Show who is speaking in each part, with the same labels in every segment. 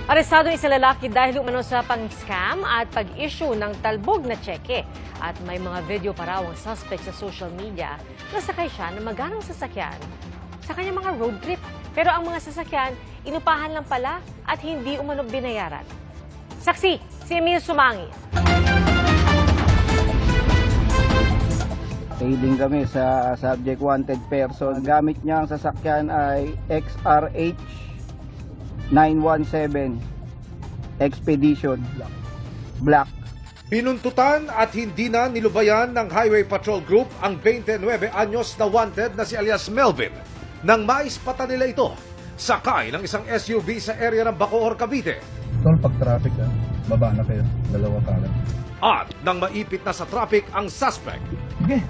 Speaker 1: Arestado isang lalaki dahil umano sa pang-scam at pag-issue ng talbog na tseke. At may mga video pa raw ang suspect sa social media na sakay siya ng maganang sasakyan sa kanyang mga road trip. Pero ang mga sasakyan, inupahan lang pala at hindi umano binayaran. Saksi, si Emil Sumangil.
Speaker 2: Tailing kami sa subject wanted person. Gamit niya ang sasakyan ay XRH 917 Expedition Black.
Speaker 3: Binuntutan at hindi na nilubayan ng Highway Patrol Group ang 29 anyos na wanted na si alias Melvin nang maispata nila ito sakay ng isang SUV sa area ng Bacoor, Cavite.
Speaker 4: Tol, pag traffic baba na kayo, dalawa kanan.
Speaker 3: At nang maipit na sa traffic ang suspect,
Speaker 4: Sige,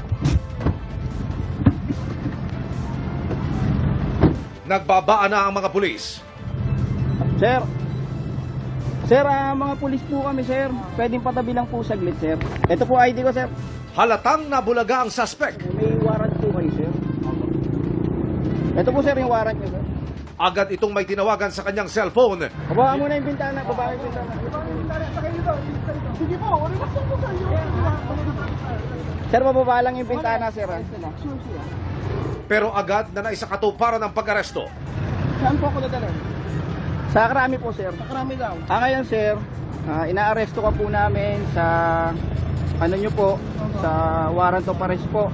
Speaker 3: nagbabaan na ang mga pulis.
Speaker 2: Sir, mga pulis po kami, sir. Pwedeng patabi lang po saglit, sir. Ito po ID ko, sir.
Speaker 3: Halatang nabulaga ang suspect.
Speaker 2: May warrant po kayo, sir. Ito po, sir, yung warrant niyo, sir.
Speaker 3: Agad itong may tinawagan sa kanyang cellphone.
Speaker 2: Baba mo na yung bintana, baba yung bintana.
Speaker 4: sige po, relax lang po kayo.
Speaker 2: Sir, bababa lang yung bintana, sir.
Speaker 3: Pero agad na naisakatuparan ang pag-aresto.
Speaker 2: Saan po ako dadala? Sa Krami po, sir.
Speaker 4: Sa karami daw.
Speaker 2: Ngayon, sir, inaaresto ka po namin sa, nyo po, sa warrant of arrest po,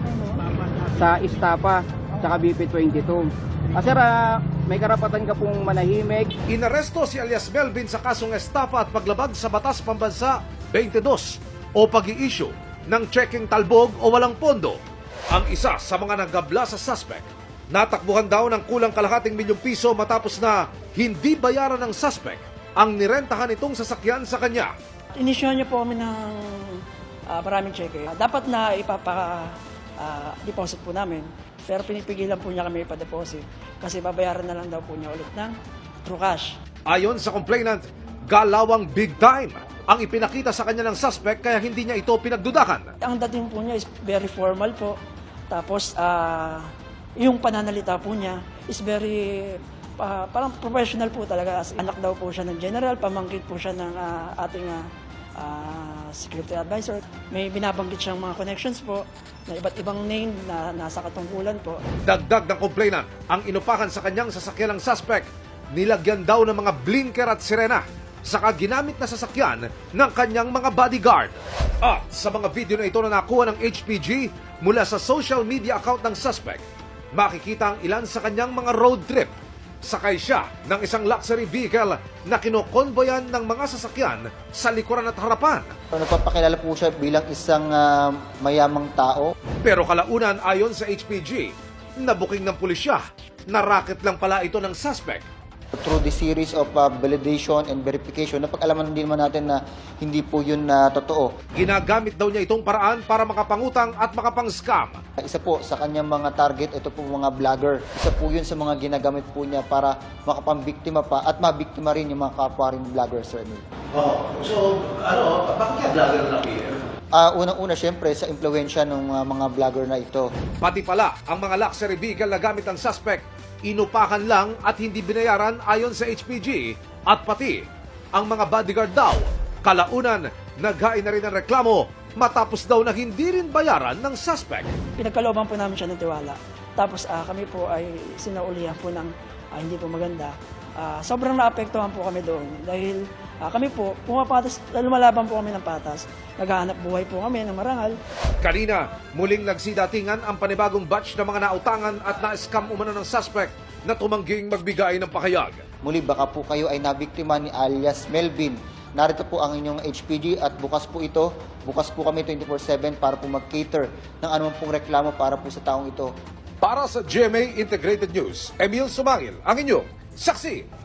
Speaker 2: sa Istapa, sa BP22. Sir, may karapatan ka pong manahimik.
Speaker 3: Inaresto si alias Melvin sa kasong estafa at paglabag sa Batas Pambansa 22 o pag-i-issue ng checking talbog o walang pondo. Ang isa sa mga nagabla sa suspect, natakbuhan daw ng kulang kalahating milyong piso matapos na hindi bayaran ng suspect ang nirentahan itong sasakyan sa kanya.
Speaker 5: Inisyon niyo po kami ng maraming cheque. Dapat na ipapa-deposit po namin. Pero pinipigilan po niya kami ipa-deposit kasi babayaran na lang daw po niya ulit ng true cash.
Speaker 3: Ayon sa complainant, galawang big time ang ipinakita sa kanya ng suspect kaya hindi niya ito pinagdudakan.
Speaker 5: Ang dating po niya is very formal po. Tapos yung pananalita po niya is very parang professional po talaga. Anak daw po siya ng general, pamangkin po siya ng ating security advisor. May binabanggit siyang mga connections po na iba't ibang name na nasa katungkulan po.
Speaker 3: Dagdag ng complainant, ang inupakan sa kanyang sasakyan ng suspect, nilagyan daw ng mga blinker at sirena, saka ginamit na sasakyan ng kanyang mga bodyguard. At sa mga video na ito na nakuha ng HPG mula sa social media account ng suspect, makikita ang ilan sa kanyang mga road trip. Sakay siya ng isang luxury vehicle na kinokonvoyan ng mga sasakyan sa likuran at harapan.
Speaker 6: Nagpapakilala po siya bilang isang mayamang tao.
Speaker 3: Pero kalaunan ayon sa HPG, nabuking ng pulisya na racket lang pala ito ng suspect.
Speaker 6: Through the series of validation and verification, napag-alaman din naman natin na hindi po yun totoo.
Speaker 3: Ginagamit daw niya itong paraan para makapangutang at makapang-scam.
Speaker 6: Isa po sa kanyang mga target, ito po mga vlogger. Isa po yun sa mga ginagamit po niya para makapambiktima pa at mabiktima rin yung mga kapwa rin vlogger, Sir Emil.
Speaker 3: Bakit kaya vlogger na
Speaker 6: Unang-una, syempre, sa impluensya ng mga vlogger na ito.
Speaker 3: Pati pala, ang mga luxury vehicle na gamit ng suspect, inupakan lang at hindi binayaran ayon sa HPG. At pati, ang mga bodyguard daw, kalaunan, naghain na rin ng reklamo matapos daw na hindi rin bayaran ng suspect.
Speaker 5: Pinagkalooban po namin siya ng tiwala. Tapos kami po ay sinaulihan po ng hindi po maganda. Sobrang naapektuhan po kami doon dahil kami po, lumalaban po kami ng patas. Naghahanap buhay po kami ng marangal.
Speaker 3: Kanina, muling nagsidatingan ang panibagong batch ng mga nautangan at na-scam umano ng suspect na tumangging magbigay ng pakayag.
Speaker 6: Muli, baka po kayo ay nabiktima ni alias Melvin. Narito po ang inyong HPG at bukas po ito. Bukas po kami 24/7 para po mag-cater ng anumang pong reklamo para po sa taong ito.
Speaker 3: Para sa GMA Integrated News, Emil Sumangil, ang inyong saksi.